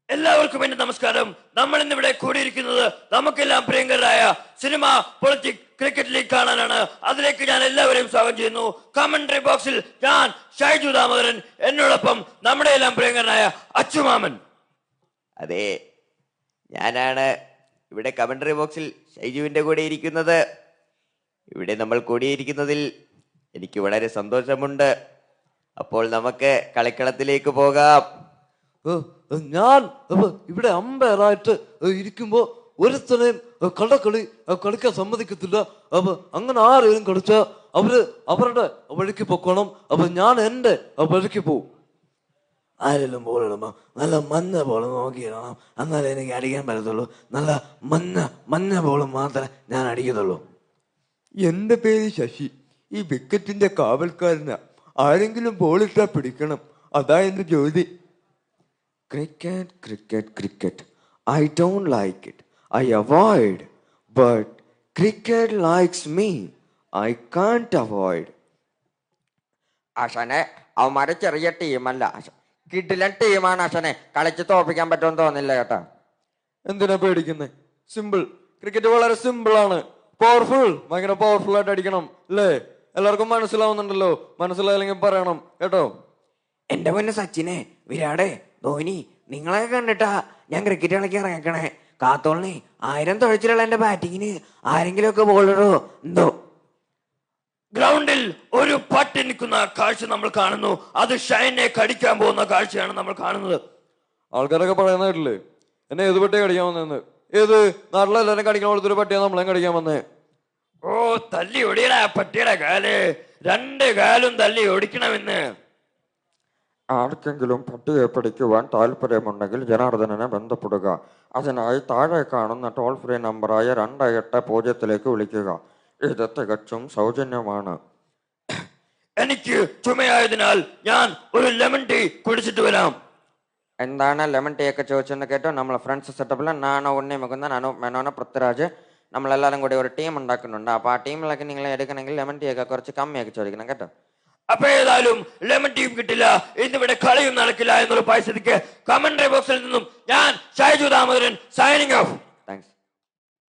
എല്ലാവർക്കും എന്റെ നമസ്കാരം. നമ്മൾ ഇന്നിവിടെ കൂടിയിരിക്കുന്നത് നമുക്കെല്ലാം പ്രിയങ്കരായ സിനിമ, പൊളിറ്റിക്സ്, ക്രിക്കറ്റ് ലീഗ് കാണാനാണ്. അതിലേക്ക് ഞാൻ എല്ലാവരെയും സ്വാഗതം ചെയ്യുന്നു. കമന്ററി ബോക്സിൽ ഞാൻ ഷൈജു ദാമോദരൻ, എന്നോടൊപ്പം നമ്മുടെ എല്ലാം പ്രിയങ്കരനായ അച്ചുമാമൻ. അതെ, ഞാനാണ് ഇവിടെ കമന്ററി ബോക്സിൽ ഷൈജുവിന്റെ കൂടെ ഇരിക്കുന്നത്. ഇവിടെ നമ്മൾ കൂടിയിരിക്കുന്നതിൽ എനിക്ക് വളരെ സന്തോഷമുണ്ട്. അപ്പോൾ നമുക്ക് കളിക്കളത്തിലേക്ക് പോകാം. ഞാൻ ഇവിടെ അമ്പയറായിട്ട് ഇരിക്കുമ്പോ ഒരുത്തനെയും കള്ളക്കളി കളിക്കാൻ സമ്മതിക്കത്തില്ല. അപ്പൊ അങ്ങനെ ആരെങ്കിലും കളിച്ചാ അവരുടെ വഴിക്ക് പൊക്കോണം. അപ്പൊ ഞാൻ എന്റെ വഴിക്ക് പോവും. ആരെങ്കിലും ബോളിടുമ്പോ നല്ല മഞ്ഞ ബോൾ നോക്കിയിടണം, എന്നാലേ എനിക്ക് അടിക്കാൻ പറ്റത്തുള്ളൂ. നല്ല മഞ്ഞ ബോൾ മാത്രമേ ഞാൻ അടിക്കത്തുള്ളൂ. എന്റെ പേര് ശശി. ഈ വിക്കറ്റിന്റെ കാവൽക്കാരനാ. ആരെങ്കിലും ബോളിട്ടാ പിടിക്കണം, അതാ എന്റെ ജോലി. Cricket cricket cricket, I don't like it, I avoid. But cricket likes me, I can't avoid. അശനെ, അവന്മാരെ ചെറിയ ടീമല്ല, കിടിലൻ ടീമാണ്. അശനെ കളിച്ച് തോപ്പിക്കാൻ പറ്റുമെന്ന് തോന്നില്ല കേട്ടോ. എന്തിനാ പേടിക്കുന്നേ? സിമ്പിൾ. ക്രിക്കറ്റ് വളരെ സിമ്പിൾ ആണ്. പവർഫുൾ, ഭയങ്കര പവർഫുൾ ആയിട്ട് അടിക്കണം അല്ലേ? എല്ലാവർക്കും മനസ്സിലാവുന്നുണ്ടല്ലോ? മനസ്സിലായില്ലെങ്കിൽ പറയണം കേട്ടോ. എന്റെ പൊന്ന് സച്ചിനെ, വിരാടെ, ധോനി, നിങ്ങളെ കണ്ടിട്ടാ ഞാൻ ക്രിക്കറ്റ് കളിക്കാൻ ഇറങ്ങിക്കണേ. കാത്തോളിനെ 1000 തുഴച്ചിലുള്ള എന്റെ ബാറ്റിങ്ങിന് ആരെങ്കിലും ഒക്കെ ബോളിടോ എന്തോ. ഗ്രൗണ്ടിൽ ഒരു പട്ടി നിൽക്കുന്ന കാഴ്ച നമ്മൾ കാണുന്നു. അത് ഷൈനെ കടിക്കാൻ പോകുന്ന കാഴ്ചയാണ് നമ്മൾ കാണുന്നത്. ആൾക്കാരൊക്കെ പറയുന്ന കേട്ടില്ലേ, എന്നെ ഏത് പട്ടിയെ കടിക്കാൻ വന്നതെന്ന്? ഏത് നാട്ടിലെല്ലാരും കടിക്കാൻ കൊടുത്തൊരു പട്ടിയാണ് നമ്മളെ കടിക്കാൻ വന്നേ. ഓ, തല്ലി ഒടിയടാ പട്ടിയുടെ കാല്. 2 കാലും തല്ലി ഒടിക്കണമെന്ന്. ആർക്കെങ്കിലും പട്ടിയെ പിടിക്കുവാൻ താല്പര്യമുണ്ടെങ്കിൽ ജനാർദ്ദനെ ബന്ധപ്പെടുക. അതിനായി താഴെ കാണുന്ന ടോൾ ഫ്രീ നമ്പറായ 2800 വിളിക്കുക. ഇത് തികച്ചും സൗജന്യമാണ്. എനിക്ക് ചുമയായതിനാൽ ഞാൻ ഒരു ലെമൺ ടീ കുടിച്ചിട്ട് വരാം. എന്താണ് ലെമൺ ടീ ഒക്കെ ചോദിച്ചെന്ന് കേട്ടോ. നമ്മളെ ഫ്രണ്ട്സ് സെറ്റപ്പിൽ നാണോ, ഉണ്ണി മുകുന്ദൻ, അനു മേനോന, പൃഥ്വിരാജ്, നമ്മളെല്ലാവരും കൂടി ഒരു ടീം ഉണ്ടാക്കുന്നുണ്ട്. അപ്പോൾ ആ ടീമിലൊക്കെ നിങ്ങൾ എടുക്കണമെങ്കിൽ ലെമൺ ടീ ഒക്കെ കുറച്ച് കമ്മിയാക്കി ചോദിക്കണം കേട്ടോ. അപ്പൊ ഏതായാലും ലെമൺ ടീം കിട്ടില്ല, ഇന്നിവിടെ കളിയും നടക്കില്ല എന്നുള്ള പരിസ്ഥിതിക്ക് കമന്ററി ബോക്സിൽ നിന്നും ഞാൻ ഷൈജു ദാമോദരൻ സൈനിങ് ഓഫ്.